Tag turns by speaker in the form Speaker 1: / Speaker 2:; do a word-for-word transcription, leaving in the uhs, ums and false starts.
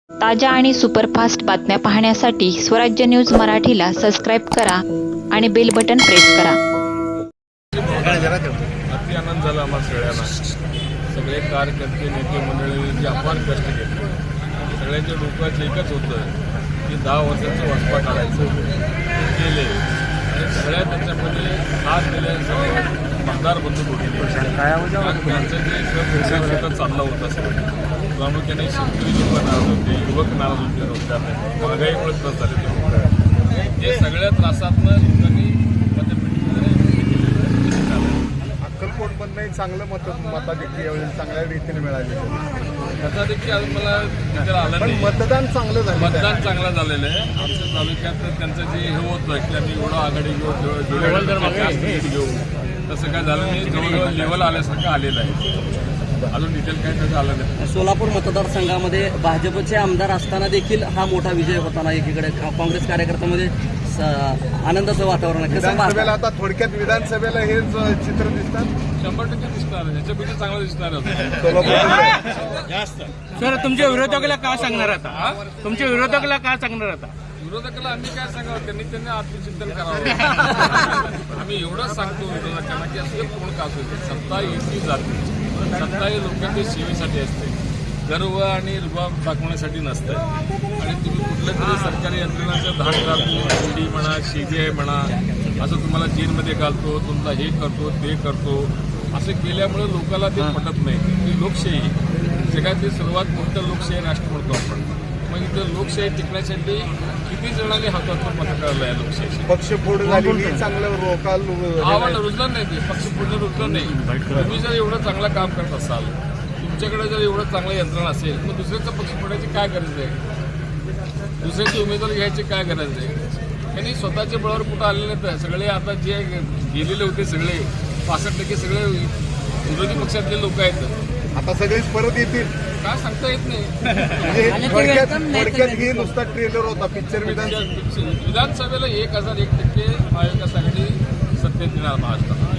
Speaker 1: ताज्या आणि सुपरफास्ट बातम्या पाहण्यासाठी स्वराज्य न्यूज मराठीला सबस्क्राईब करा आणि बेल बटन प्रेस करा.
Speaker 2: अति आनंद झाला आम्हाला सगळ्यांना. सगळे कार्यकर्ते नेते मंडळी जे अपार कष्ट घेतले, सगळ्यांच्या डोक्यात एकच होतं की दहा वर्षाचं वसपा काढायचं केले आणि सगळ्या त्याच्यामध्ये हात दिले. सगळे मतदार बंधू होते, त्यांचं जे शेतात चाललं होतं सगळं प्रामुख्याने शेतकरी लोक नाराज होते, युवक नाराज होते, रोजगार महागाईमुळे त्रास झाले ते लोक. हे सगळ्या त्रासातनं लोकांनी
Speaker 3: अक्कलकोटमधनंही चांगलं मत मताधिक्य यावेळी चांगल्या रीतीने मिळाले.
Speaker 2: मताधिक्य अजून मला तिथे आलं
Speaker 3: पण
Speaker 2: नाही.
Speaker 3: मतदान चांगलं झालं,
Speaker 2: मतदान चांगलं झालेलं आहे. आमच्या तालुक्यात त्यांचं जे हे होतं की आम्ही एवढं आघाडी घेऊ घेऊ तसं काय झालं नाही. जवळजवळ लेवल आल्यासारखं आलेलं आहे. अजून डिटेल काय त्याचं आलं नाही.
Speaker 4: सोलापूर मतदारसंघामध्ये भाजपचे आमदार असताना देखील हा मोठा विजय होताना एकीकडे काँग्रेस कार्यकर्त्यामध्ये आनंदाचं वातावरण आहे.
Speaker 3: विधानसभेला आता थोडक्यात विधानसभेला हेच चित्र दिसतात.
Speaker 2: शंभर टक्के दिसणार आहे. ह्याच्यापेक्षा चांगलं दिसणार होतं
Speaker 3: सोलापूर
Speaker 2: जास्त.
Speaker 5: सर, तुमच्या विरोधकाला का सांगणार आता? तुमच्या विरोधकाला का सांगणार आता?
Speaker 2: विरोधकाला आम्ही काय सांगावं, त्यांनी त्यांनी आत्मचिंतन करावं. आम्ही एवढंच सांगतो विरोधकांना की असं कोण का असू दे, सत्ता येती जाते. सत्ता ही लोकांच्या सेवेसाठी असते, गर्व आणि रुबाब दाखवण्यासाठी नसतं. आणि तुम्ही कुठल्या तरी सरकारी यंत्रणाचं धाड घालतो, ईडी म्हणा, सीबीआय म्हणा, असं तुम्हाला जेलमध्ये घालतो, तुमचा हे करतो ते करतो, असं केल्यामुळे लोकांना ते पटत नाही. ही लोकशाही जगातली सर्वात मोठं लोकशाही राष्ट्र म्हणतो आपण. मग इथं लोकशाही टिकण्यासाठी किती जणांनी हातातून पथकावलं आहे लोकशाही.
Speaker 3: पक्षफोड झाली चांगलं रोकाल
Speaker 2: आव्हान रुजलं नाही, ते पक्ष पुढलं रुजलं नाही. तुम्ही जर एवढं चांगलं काम करत असाल, तुमच्याकडे जर एवढं चांगलं यंत्रणा असेल, मग दुसऱ्याचं पक्ष फोडायची काय गरज आहे? दुसऱ्याचे उमेदवार घ्यायची काय गरज आहे? त्यांनी स्वतःच्या बळावर कुठं आलेले नाहीत. सगळे आता जे गेलेले होते सगळे पासष्ट टक्के सगळे विरोधी पक्षातले लोक आहेत.
Speaker 3: आता सगळेच परत येतील
Speaker 2: काय सांगता येत नाही.
Speaker 3: म्हणजे थोडक्यात थोडक्यात ही नुसता ट्रेलर होता पिक्चर. विधान
Speaker 2: विधानसभेला एक हजार एक टक्के महाविकास आघाडी सत्तेत येणार महाराष्ट्रात.